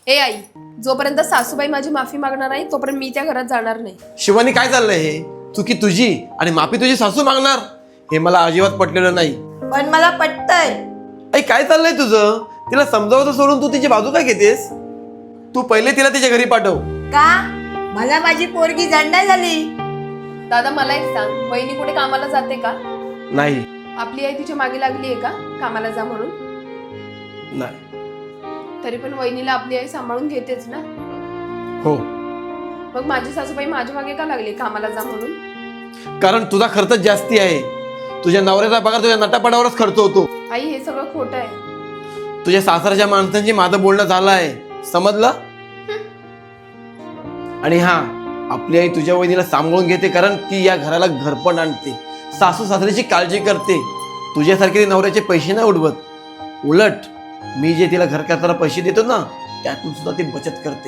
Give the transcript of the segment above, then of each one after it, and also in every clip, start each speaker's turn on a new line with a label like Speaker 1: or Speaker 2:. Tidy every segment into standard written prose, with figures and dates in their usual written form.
Speaker 1: ए आई, जोपर्यंत सासूबाई माझी माफी मागणार नाही तोपर्यंत मी त्या घरात जाणार नाही.
Speaker 2: शिवानी काय चाललंय हे? चुकी तुझी आणि माफी तुझी सासू मागणार, हे मला अजिबात पटलेलं नाही.
Speaker 3: पण मला पटतंय.
Speaker 2: आई काय चाललंय तुझं? तिला समजावतं सोडून तू तिची बाजू काय घेतेस? तू पहिले तिला तिच्या घरी पाठव.
Speaker 3: का? मला माझी पोरगी जड झाली.
Speaker 1: दादा मला एक सांग, वहिनी कुठे कामाला जाते का?
Speaker 2: नाही.
Speaker 1: आपली आई तिच्या मागे लागली आहे का कामाला जा म्हणून?
Speaker 2: नाही.
Speaker 1: तरी पण वहिनीला आपली आई सांभाळून घेतेच ना.
Speaker 2: हो.
Speaker 1: मग माझी सासूबाई माझ्या मागे का लागली कामाला जा म्हणून?
Speaker 2: कारण तुझा खर्च जास्ती आहे. तुझ्या नवऱ्याचा पगार तुझ्या नटापटावरच खर्च होतो.
Speaker 1: आई हे सगळं खोटं आहे.
Speaker 2: तुझ्या सासरच्या माणसांची माझं बोलणं झालं आहे, समजलं? आणि हा, आपली आई तुझ्या वहिनीला सांभाळून घेते कारण ती या घराला घरपण आणते, सासू सासऱ्याची काळजी करते. तुझ्यासारखे ती नवऱ्याचे पैसे नाही उडवत. उलट मी जे तिला घर करताना पैसे देतो ना, त्यातून सुद्धा ती बचत करते.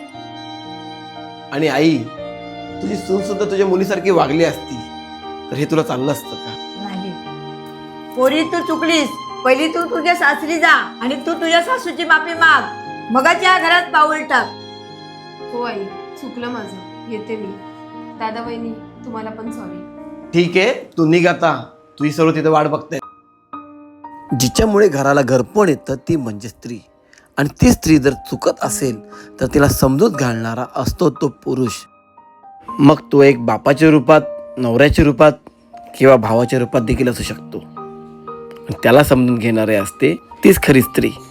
Speaker 2: आणि आई, तुझी सून सुद्धा तुझ्या मुलीसारखी वागली असती तर हे तुला चाललं असतं का?
Speaker 3: नाही पोरी, तू चुकलीस. पहिली तू तुझ्या सासरी जा आणि तू तुझ्या सासूची माफी माग, मगच या घरात पाऊल टाक.
Speaker 1: हो आई, चुकलं माझं, येते मी. दादा वहिनी तुम्हाला पण सॉरी.
Speaker 2: ठीक आहे, तू निघ आता. तुझी सर्व तिथे वाट बघते. जिच्यामुळे घराला घरपण येतं ती म्हणजे स्त्री. आणि ती स्त्री जर चुकत असेल तर तिला समजूत घालणारा असतो तो पुरुष. मग तो एक बापाच्या रूपात, नवऱ्याच्या रूपात किंवा भावाच्या रूपात देखील असू शकतो. त्याला समजून घेणारे असते तीच खरी स्त्री.